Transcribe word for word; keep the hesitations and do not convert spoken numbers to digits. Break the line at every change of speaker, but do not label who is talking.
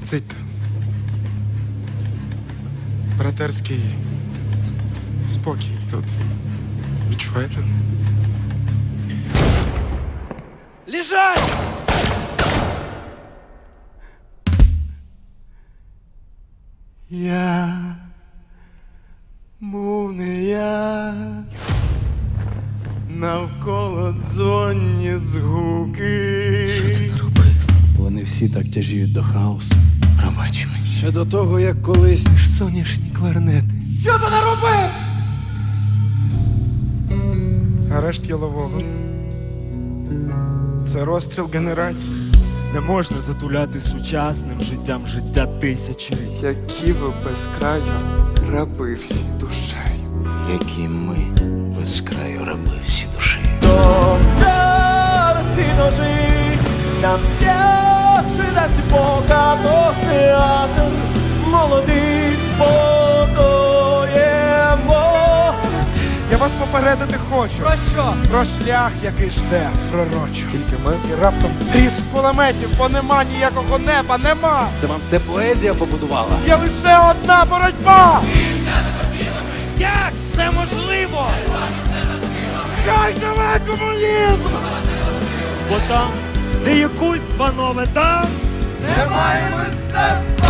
Цить. Братерський спокій тут. Відчуваєте?
Лежать!
Я був не я, навколо дзонні згуки.
Що ти наробив? Вони всі так тяжіють до хаосу.
Пробач мені.
Ще до того, як колись.
Ж соняшні кларнети.
Що ти наробив?
Арешт Ялового. Це розстріл генерації.
Не можна затуляти сучасним життям життя тисячі.
Які ви без краю раби всі душею.
які ми без краю раби всі душі.
До старості дожить, нам п'явши дасть Бога наш театр, молодий спокоємо.
Я вас попередити хочу.
Про що?
Про шлях, який жде пророчо. Тільки ми і раптом тріск кулеметів, бо нема ніякого неба, нема.
Це вам все поезія побудувала?
Є лише одна боротьба.
Як це можливо?
Хай живе комунізм!
Бо там, де є культ, панове, там
Немає мистецтва!